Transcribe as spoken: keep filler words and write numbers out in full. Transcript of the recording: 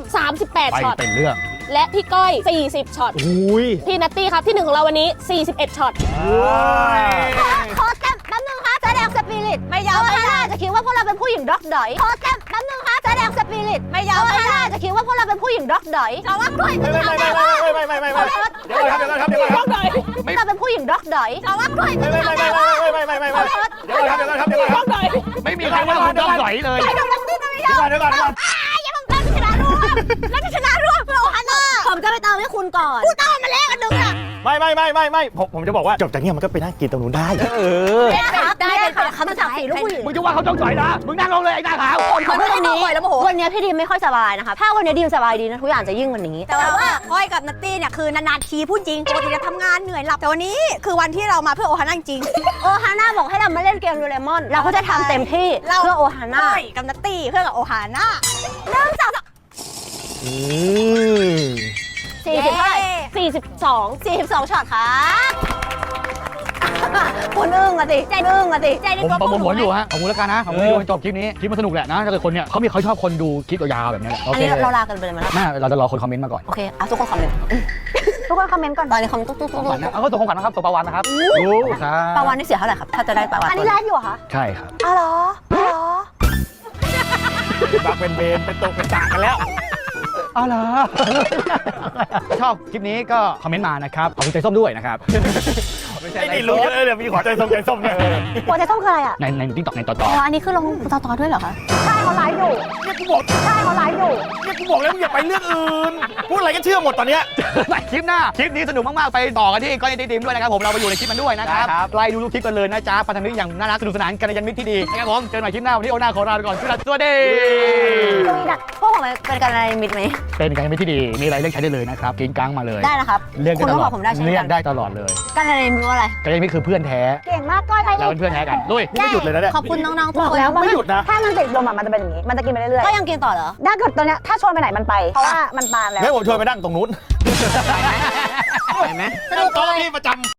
สามสิบแปดไปช็อตเป็นเรื่องและพี่ก้อยสี่สิบช็อตอุ้ยพี่นัตตี้ครับที่หนึ่งของเราวันนี้สี่สิบเอ็ดช็อตขอแต้มแป๊บนึงครับแสดงสปิริตไม่ยอมไม่ได้จะคิดว่าพวกเราเป็นผู้หญิงด็อกดอยขอแต้มแป๊บนึงครับแสดงสปิริตไม่ยอมไม่ได้จะคิดว่าพวกเราเป็นผู้หญิงด็อกดอยแต่ว่ากล้วยไม่ไม่ไม่ไม่ไม่ไม่ไม่ไม่เดี๋ยวก่อนครับเดี๋ยวก่อนครับเดี๋ยวก่อนครับเราเป็นผู้หญิงด็อกดอยแต่ว่ากล้วยไม่ไม่ไม่ไม่ไม่ไม่ไม่ไม่เดี๋ยวก่อนครับเดี๋ยวก่อนครับเดี๋ยวก่อนครับไม่มีใครว่าคุณต้องสอยเลยไอ้ดอกนักดิ้นไม่ยอมเดี๋ยวก่อนเดี๋ยวก่อนอย่าผมจะชนะร่วมแล้วจะชนะร่วมเพื่อโอฮาน่าผมจะไปเติมให้คุณก่อนคุณเติมมาแล้วอันนึงอ่ะไม่ไม่ไม่ไม่ไม่ผมผมจะบอกว่าจบจากนี้มันก็ไปนั่งกินตรงนู้นได้เออได้ได้ค่ะคำสั่งสีลูกผู้หญิงมึงจะว่าเขาต้องสอยนะมึงนั่งลงเลยไอ้หน้าขาวผมไม่ตรงนี้วันนี้พี่ดีมไม่ค่อยสบายนะคะถ้าวันนี้ดีมสบายดีนะทุกอย่างจะยิ่งกว่านี้แต่ว่าก้อยกับนัตตี้เนี่ยคือนานๆทีพูดจริงปกติจะทำงานเหนื่อยหลับแต่วันนี้คือวันที่เรามาเพื่อโอฮาน่าจริงโอฮาน่าบอกให้เรามาเล่นเกมโดเรมอนเราก็จะทำเต็มที่เพื่อโอฮาน่ากับนัตตี้เพื่อกับโอฮาน่าเริ่มจาก สี่สิบเท่าไหร่สี่สิบสองสี่สิบสองช็อตครับคุณอึ้งอะสิใจอึ้งอะสิใจนี่ผมก็ประมวลผลอยู่ฮะขอบคุณแล้วกันนะขอบคุณที่ดูจนจบคลิปนี้คลิปมันสนุกแหละนะถ้าเกิดคนเนี่ยเขามีเขาชอบคนดูคลิปยาวๆแบบนี้แหละโออันเคนี้เราลากันไปเลยไหมล่ะแม่เราจะรอคนคอมเมนต์มาก่อนโอเคเอาทุกคนคอมเมนต์ทุกคนคอมเมนต์ก่อนตอนนี้คอมเมนต์ตุ๊กตุ๊กขอตุ๊งกขวัญนะเอาก็ส่งของขวัญนะครับส่งปลาวันนะครับรู้ครับปลาวานนี่เสียเท่าไหร่ครับถ้าจะได้ปลาวานอันนี้ไลฟ์อยู่เหรอคะใช่ครับอ๋อเหรออ๋อเหรอบักเป็นเบนเป็นตกเป็นตากันแล้วอ๋อเหรอชอบคลิปนี้ก็คอมเมนต์มานะครับขอบคุณใจส้มด้วยนะครับไอ้นี่รู้เออเดี๋ยวมีขอใจส้มใจส้มเนี่ยหัวใจส้มคืออะไรอ่ะในในติ๊กต็อกในต่ออ๋ต่อออันนี้คือลงต่อต่อด้วยเหรอคะใช่เขาไลฟ์อยู่เนี่ยกูบอกใช่เขาไลฟ์อยู่เนี่ยกูบอกแล้วมึงอย่าไปเรื่องอื่นพูดอะไรก็เชื่อหมดตอนเนี้ยในคลิปหน้าคลิปนี้สนุกมากๆไปต่อกันที่ก้อยในทีมด้วยนะครับผมเราไปอยู่ในคลิปมันด้วยนะครับไล่ดูทุกคลิปกันเลยนะจ๊ะพันธมิตรอย่างน่ารักสนุกสนานกันในยันมิตรที่ดีนะครับผมเจอกันใหม่คลิปหน้าวันนี้โอนาขอลาไปก่อนสวัสดีตรงนี้ดักพวกผมเป็นการอะไรมิดไหมเป็นการมิตรที่ดีมีอะไรเรียกใช้ได้เลยนะครับกินกังมาเลยได้นะครับเรียกคุได้ณตต้องลบออดกผมได้ใช่ไหมเรียกได้ตลอดเลยการอะไรมิดว่าอะไรกันยันมิตรคือเพื่อนแท้เก่งมากก้อยไปเราเป็นเพื่อนแท้กันลุยไม่หยุดเลยนะเนี่ยขอบคุณน้องๆทุกบอกคนแล้วว่าไม่หยุดนะถ้ามันติดลมอ่ะมันจะเป็นอย่างนี้ มันจะกินไปเรื่อยก็ยังกินต่อเหรอๆถ้าเกิดตัวเนี้ยถ้าชวนไปไหนมันไป เพราะว่ามันปานแล้วให้ผมชวนไปนั่งตรงนู้นไปไหมนั่งโต๊ะนี่ประจำ